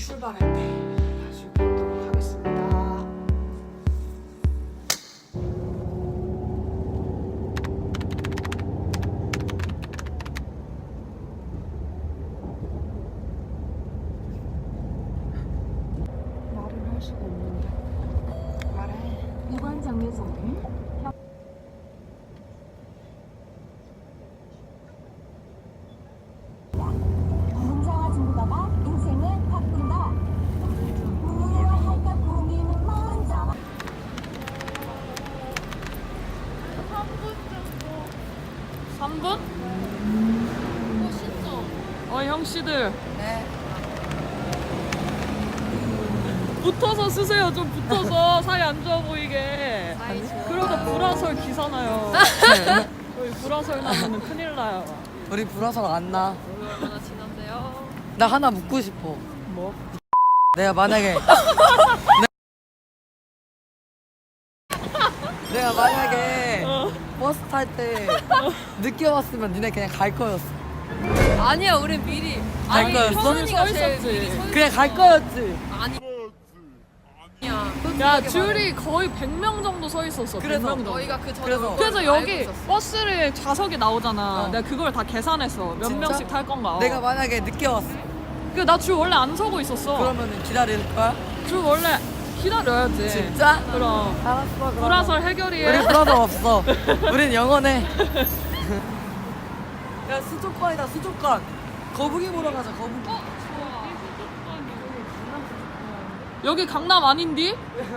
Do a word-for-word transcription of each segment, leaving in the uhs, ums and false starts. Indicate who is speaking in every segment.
Speaker 1: 출발할 때 다시 뵙도록 하겠습니다. 말을 할 수가 없는데 말해.
Speaker 2: 이번 정류소는 문자와 중국어가 인생을 바꾼다. 무엇을 할까 고민은 먼저.
Speaker 1: 삼 분? 어, 형씨들.
Speaker 3: 네.
Speaker 1: 붙어서 쓰세요. 좀 붙어서 사이 안 좋아 보이게.
Speaker 3: 사이 좋아.
Speaker 1: 그러다 불화설 기사 나요. 저희 불화설 나면 큰일 나요.
Speaker 3: 우리 불화설 안 나.
Speaker 4: 얼마나 지난데요?
Speaker 3: 나 하나 묻고 싶어.
Speaker 1: 뭐?
Speaker 3: 내가 만약에 내가 만약에
Speaker 1: 어.
Speaker 3: 버스 탈 때 늦게 왔으면 니네 그냥 갈 거였어.
Speaker 4: 아니야, 우리 미리.
Speaker 3: 갈
Speaker 4: 아니,
Speaker 3: 거였어?
Speaker 4: 현은이가
Speaker 1: 서
Speaker 4: 제일
Speaker 1: 있었지.
Speaker 4: 미리 서 있었어.
Speaker 3: 그냥 갈 거였지.
Speaker 4: 아니. 아니야.
Speaker 1: 야, 줄이 거의 백 명 정도 서 있었어.
Speaker 3: 그래서
Speaker 1: 백 명 정도.
Speaker 4: 너희가 그 전에
Speaker 3: 그래서-
Speaker 4: 올
Speaker 1: 그래서
Speaker 4: 걸
Speaker 1: 여기
Speaker 4: 알고 있었어.
Speaker 1: 버스를 좌석이 나오잖아.
Speaker 3: 어.
Speaker 1: 내가 그걸 다 계산했어. 몇
Speaker 3: 진짜?
Speaker 1: 명씩 탈 건가.
Speaker 3: 내가 만약에 늦게 왔어.
Speaker 1: 그나줄 원래 안 서고 있었어.
Speaker 3: 그러면은 기다릴 거야?
Speaker 1: 줄 원래 기다려야지.
Speaker 3: 진짜?
Speaker 1: 그럼.
Speaker 3: 알았어. 그럼.
Speaker 1: 불화설 해결이야.
Speaker 3: 우리 불화설 없어. 우린 영원해. 야 수족관이다 수족관. 거북이 보러 가자 거북이.
Speaker 1: 여기 강남 아닌디?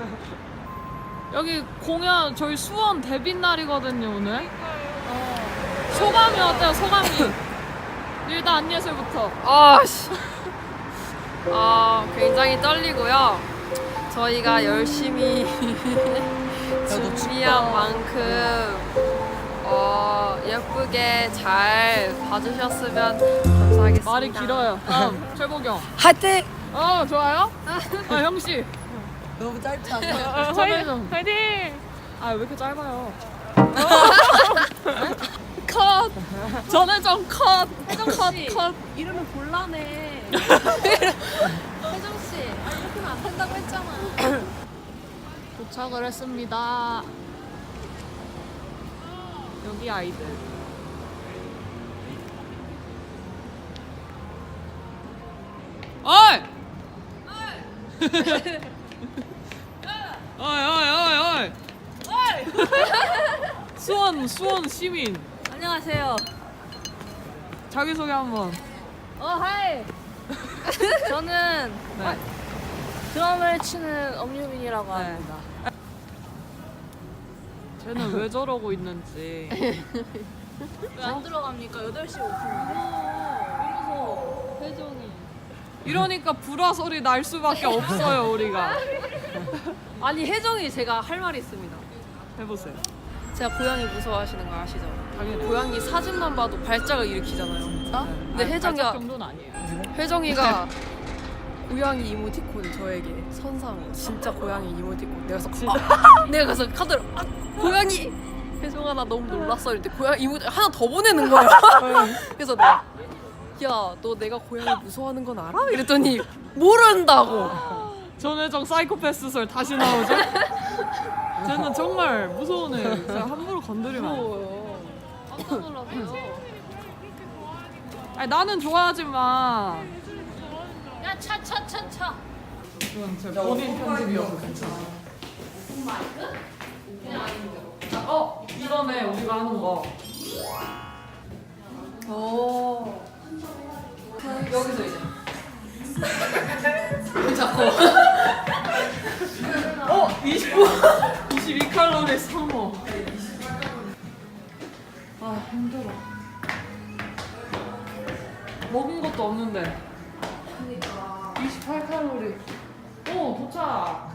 Speaker 1: 여기 공연 저희 수원 데뷔 날이거든요 오늘. 소감이 어때요? 소감이. 일단 안예슬부터.
Speaker 4: 아씨. 아, 굉장히 떨리고요. 저희가 열심히
Speaker 3: 너
Speaker 4: 준비한 만큼 어, 예쁘게 잘 봐주셨으면 감사하겠습니다.
Speaker 1: 말이 길어요. 다음 최보경.
Speaker 3: 화이팅!
Speaker 1: 어 좋아요? 아 형씨.
Speaker 3: 너무 짧지 않나?
Speaker 1: 화이팅! 화이팅! 아 왜 이렇게 짧아요? 컷! 전혜정 컷! 혜정 컷! 컷!
Speaker 4: 이러면 곤란해. 혜정씨, 아, 이렇게 하면 안 된다고 했잖아.
Speaker 1: 도착을 했습니다. 여기 아이들. 어이! 어이 어이 어이 어이! 수원 수원 시민
Speaker 4: 안녕하세요.
Speaker 1: 자기소개 한번.
Speaker 4: 어, 하이. 저는
Speaker 1: 네.
Speaker 4: 드럼을 치는 엄유빈이라고
Speaker 1: 네.
Speaker 4: 합니다.
Speaker 1: 쟤는 왜 저러고 있는지.
Speaker 4: 왜 안 들어갑니까? 여덟 시 오 분인데. 이러서 혜정이.
Speaker 1: 이러니까 불화설이 날 수밖에 없어요 우리가.
Speaker 4: 아니, 혜정이 제가 할 말이 있습니다.
Speaker 1: 해보세요.
Speaker 4: 제가 고양이 무서워하시는 거 아시죠?
Speaker 1: 당연히.
Speaker 4: 고양이 사진만 봐도 발작을 일으키잖아요.
Speaker 3: 진짜?
Speaker 4: 근데 혜정이가-
Speaker 1: 발작 정도는 아니에요.
Speaker 4: 혜정이가 고양이 이모티콘 저에게 선사한 거. 진짜 고양이 이모티콘. 내가 가서 아! 내가 가서 카드를 아! 고양이. 혜정아 나 너무 놀랐어. 이랬는데 고양이 이모티 하나 더 보내는 거야. 그래서 내가 야 너 내가 고양이 무서워하는 건 알아? 이랬더니 모른다고.
Speaker 1: 전혜정 사이코패스설 다시 나오죠? 쟤는 정말 무서운 애. 진짜 함부로 건드리면 안 돼.
Speaker 4: 무서워요. 깜짝 놀랐어요.
Speaker 1: 아니 나는 좋아하지만
Speaker 4: 야 차 차 차 차.
Speaker 1: 이건 제 본인 편집이어서 괜찮아. 어 이거네 우리가 하는 거.
Speaker 4: 오.
Speaker 1: 여기서 이제.
Speaker 4: 왜 자꾸?
Speaker 1: 어 이십오 이십이 칼로리 삼호. 아 힘들어. 먹은 것도 없는데. 이십팔 칼로리. 오 도착.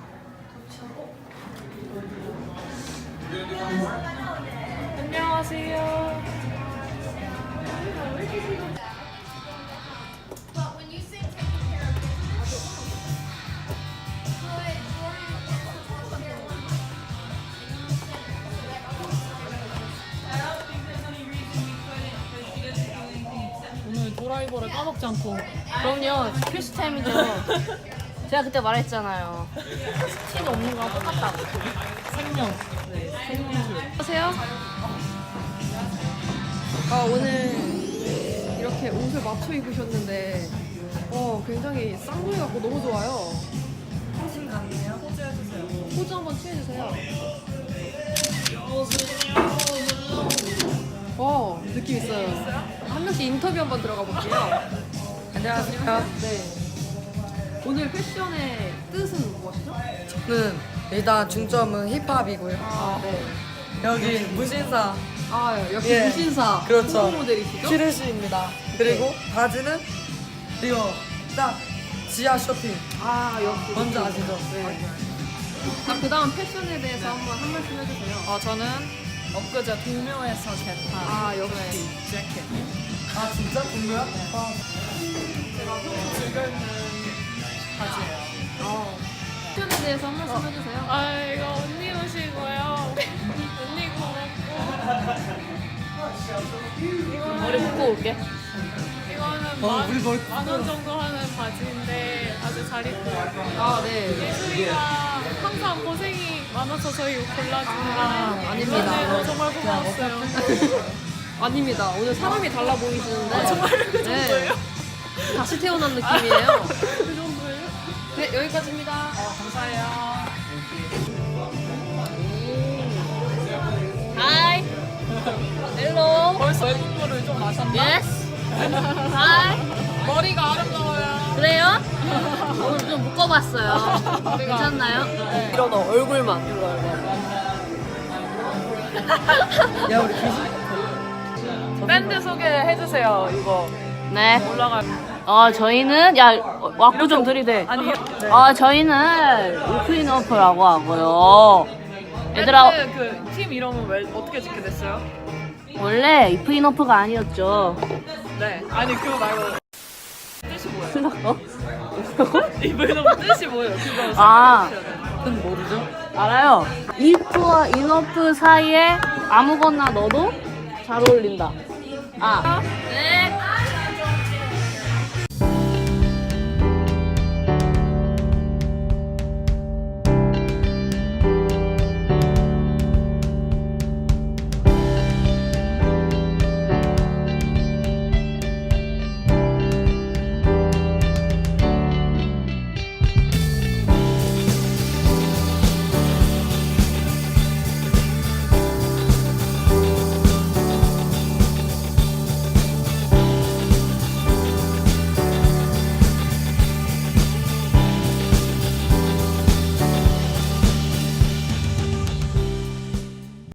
Speaker 1: 안녕하세요. 오늘 드라이버를 까먹지 않고.
Speaker 5: 그럼요. 필수 타임이죠. 제가 그때 말했잖아요. 스틸이 없는 거랑 똑같다고.
Speaker 1: 생명.
Speaker 4: 안녕하세요. 아 오늘 이렇게 옷을 맞춰 입으셨는데 어 굉장히 쌍둥이 같고 너무 좋아요.
Speaker 1: 사진 같네요. 포즈 해주세요.
Speaker 4: 포즈 한번 취해주세요. 어 느낌 있어요. 한 명씩 인터뷰 한번 들어가 볼게요.
Speaker 3: 안녕하세요.
Speaker 4: 네. 오늘 패션의 뜻은 무엇이죠?
Speaker 3: 저는 일단 중점은 힙합이고요.
Speaker 4: 아 네.
Speaker 3: 여기 무신사
Speaker 4: 아 역시
Speaker 3: 예.
Speaker 4: 무신사
Speaker 3: 그렇죠.
Speaker 4: 후보 모델이시죠?
Speaker 3: 키르시입니다. 그리고 바지는 이거 딱 지하 쇼핑.
Speaker 4: 아 역시
Speaker 3: 뭔지 아시죠?
Speaker 4: 네. 자 그다음 패션에 대해서 한번 한 말씀 해주세요.
Speaker 1: 어, 저는 엊그제 동묘에서 겟한
Speaker 4: 아, 역시.
Speaker 1: 재킷.
Speaker 3: 아 진짜? 동료야? 아,
Speaker 1: 제가 평소 즐겨 입는 바지예요.
Speaker 4: 어. 패션에 대해서 한 말씀 해주세요.
Speaker 6: 아 이거 언니 옷이고요. 언니 거
Speaker 5: 머리 묶고 올게.
Speaker 6: 이거는
Speaker 3: 어, 우리 머리
Speaker 6: 만원 정도 하는 바지인데 아주 잘 입고 왔고
Speaker 4: 아 네.
Speaker 6: 예수이가 항상 고생이 많아서 저희 옷 골라주느라
Speaker 4: 아, 아닙니다.
Speaker 6: 네, 정말 고마웠어요.
Speaker 4: 아닙니다. 오늘 사람이 달라 보이시는데.
Speaker 6: 아, 정말 그 정도예요?
Speaker 4: 네. 다시 태어난 느낌이에요.
Speaker 6: 그 정도예요?
Speaker 4: 네 여기까지입니다.
Speaker 1: 어, 감사해요.
Speaker 5: 하이. 헬로.
Speaker 1: 벌써 외국어를 좀 아셨나?
Speaker 5: 예스. 하이.
Speaker 1: 머리가 아름다워요.
Speaker 5: 그래요? 오늘 좀 묶어봤어요. 괜찮나요?
Speaker 4: 이런 얼굴만. 이런 얼굴.
Speaker 3: 야 우리 귀신.
Speaker 1: 밴드 소개해주세요. 이거
Speaker 5: 네.
Speaker 1: 올라갈.
Speaker 5: 어 저희는 야 왁구 좀 들이대.
Speaker 1: 아니,
Speaker 5: 어 저희는 오프인오프라고 하고요. 얘들아
Speaker 1: 그팀 이름은 왜 어떻게 짓게 됐어요?
Speaker 5: 원래 이프인오프가 아니었죠.
Speaker 1: 네. 아니 그거 말고 뜻이 뭐예요?
Speaker 5: 어?
Speaker 1: 이브이노브 뜻이 뭐예요? 그거
Speaker 5: 아.
Speaker 3: 은 모르죠?
Speaker 5: 알아요. 이프와 인오프 사이에 아무거나 넣어도 잘 어울린다. 아. 네.